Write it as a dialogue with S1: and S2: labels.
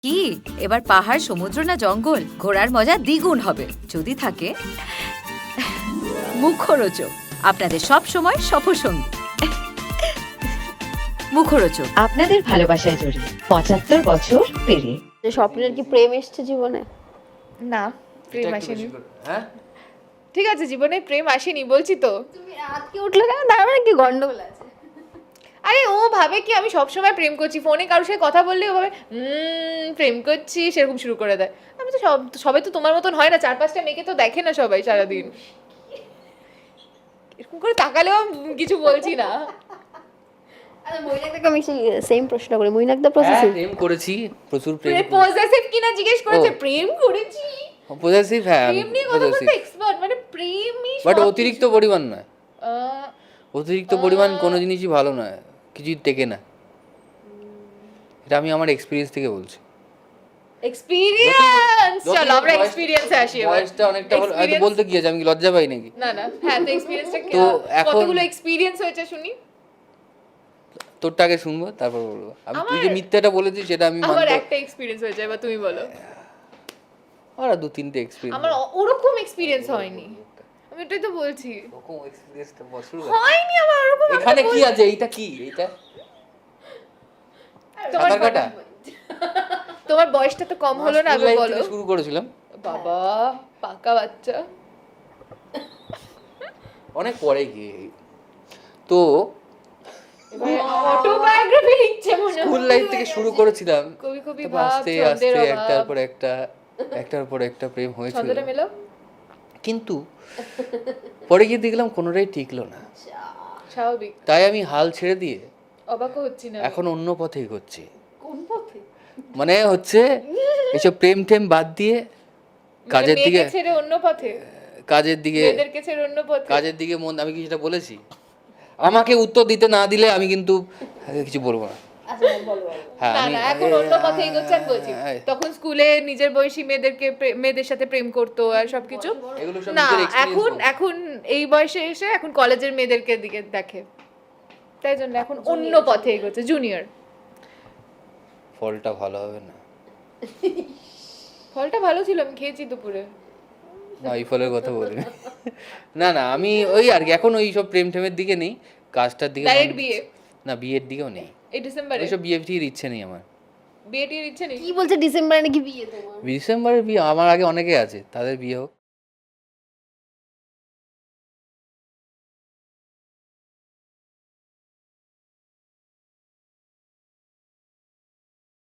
S1: কি এবার পাহাড়, সমুদ্র না জঙ্গল, ঘোরার মজা দ্বিগুণ হবে যদি থাকে মুখরোচক, আপনাদের সব সময় সফরসঙ্গী। মুখরোচক
S2: আপনাদের ভালোবাসায় জড়িয়ে ৭৫ বছর পেরিয়ে।
S3: স্বপ্নের কি প্রেম এসছে জীবনে?
S4: না, প্রেম আসেনি।
S5: হ্যাঁ,
S4: ঠিক আছে, জীবনে প্রেম আসেনি বলছি তো।
S3: তুমি আজকে উঠলে কেন? তার মানে কি গন্ডগোল আছে?
S4: আরে ও ভাবে কি আমি সবসময় প্রেম করছি, ফোনে কারোর সাথে কথা বললে ও ভাবে প্রেম করছি, সেরকম শুরু করে দেয়। আমি তো সবাই তো তোমার মতন হয় না, ৪-৫টা মেয়েকে তো দেখে না সবাই সারাদিন। এরকম করে তাকালেও কিছু বলছি না।
S3: আরে মইনাকদাকে আমি সেম প্রশ্ন করি, মইনাকদা প্রসেসিভ?
S5: প্রেম করেছি, প্রচুর প্রেম।
S4: পজেসিভ কিনা জিজ্ঞেস করেছে, প্রেম করেছি।
S5: পজেসিভ, হ্যাঁ
S4: প্রেম নিয়ে কথা বলতে এক্সপার্ট, মানে প্রেমই
S5: বাট অতিরিক্ত পরিমাণ নয়। অতিরিক্ত পরিমাণ কোনো জিনিসই ভালো নয়, কিছুই টেকে না। এটা আমি আমার এক্সপিরিয়েন্স থেকে বলছি।
S4: এক্সপেরিয়েন্স, চলো আমরা এক্সপেরিয়েন্সে আসি এবার।
S5: বয়সটা অনেকটা হলো, এত বলতে কি আছে, আমি কি লজ্জা পাই নাকি?
S4: না না, হ্যাঁ তো এক্সপেরিয়েন্সটা
S5: তো এখন-
S4: কতগুলো এক্সপেরিয়েন্স হয়েছে শুনি।
S5: তোরটা আগে শুনবো, তারপর বলবো। আমি তুই যে মিথ্যাটা বলেছিস সেটা আমি
S4: আমার
S5: মানবো।
S4: একটা এক্সপেরিয়েন্স হয়েছে, এবার তুমি বলো।
S5: আর 2-3টে এক্সপিরিয়েন্স।
S4: আমার ওরকম এক্সপেরিয়েন্স হয়নি, আমি এটাই তো বলছি।
S5: ওরকম এক্সপিরিয়েন্সটা বছর
S4: হয়নি আমার ওরকম।
S5: এখানে কি আছে? এইটা কি? এইটা সাঁতার কাটা?
S4: তোমার বয়সটা তো কম হলো না,
S5: স্কুল
S4: আগে
S5: লাইফ
S4: বলো।
S5: থেকে শুরু করেছিলাম,
S4: বাবা পাকা বাচ্চা।
S5: অনেক পরে গিয়ে। তো
S4: অটোবায়োগ্রাফি লিখছে মনে হয়।
S5: স্কুল লাইফ থেকে শুরু করেছিলাম,
S4: কবি কবি
S5: তারপর
S4: ভাব,
S5: আস্তে আস্তে
S4: ছন্দের
S5: একটার
S4: অভাব।
S5: পর একটার পর একটা প্রেম হয়েছিল।
S4: ছন্দটা মেলো।
S5: কিন্তু পরে গিয়ে দেখলাম কোনোটাই টিকলো না,
S4: স্বাভাবিক,
S5: তাই আমি হাল ছেড়ে দিয়ে
S4: অবাক হচ্ছি না।
S5: এখন অন্য পথে এগোচ্ছি।
S3: কোন পথে?
S5: মানে হচ্ছে এসব প্রেম টেম বাদ দিয়ে কাজের
S4: মানে
S5: দিকে,
S4: মেয়েকে ছেড়ে অন্য পথে,
S5: কাজের দিকে,
S4: মেয়েদেরকে ছেড়ে অন্য পথে।
S5: কাজের দিকে মন। আমি কি সেটা বলেছি? আমাকে উত্তর দিতে না দিলে আমি কিন্তু কিছু বলবো না।
S3: আচ্ছা বলো বলো।
S5: হ্যাঁ,
S4: না
S5: আমি
S4: না, এখন অন্য পথে এগোচ্ছেন বলছি। তখন স্কুলে নিজের বয়সী মেয়েদের সাথে প্রেম করতো আর সবকিছু।
S5: এগুলো সব
S4: না,
S5: নিজের experience
S4: এখন
S5: বলছি।
S4: এখন এই বয়সে এসে এখন কলেজের মেয়েদেরকে দিকে দেখে, তাই জন্য এখন অন্য পথে এগোচ্ছে, জুনিয়র।
S5: ফলটা ভালো হবে না।
S4: ফলটা ভালো ছিল, আমি খেয়েছি দুপুরে।
S5: না, এই ফলের কথা বলিনি। না না, আমি ওই আর কি এখন ওই সব প্রেম টেমের দিকে নেই, কাজটার দিকে
S4: ডাইরেক্ট বিয়ে
S5: না, বিয়ের দিকেও নেই।
S4: এই ডিসেম্বরে
S5: ওইসব বিয়ে টির ইচ্ছে নেই আমার।
S4: বিয়ে টির ইচ্ছে নেই?
S3: কি বলছে ডিসেম্বরে নাকি বিয়ে তোমার?
S5: ডিসেম্বরের বিয়ে আমার আগে অনেকে আছে, তাদের বিয়ে হোক।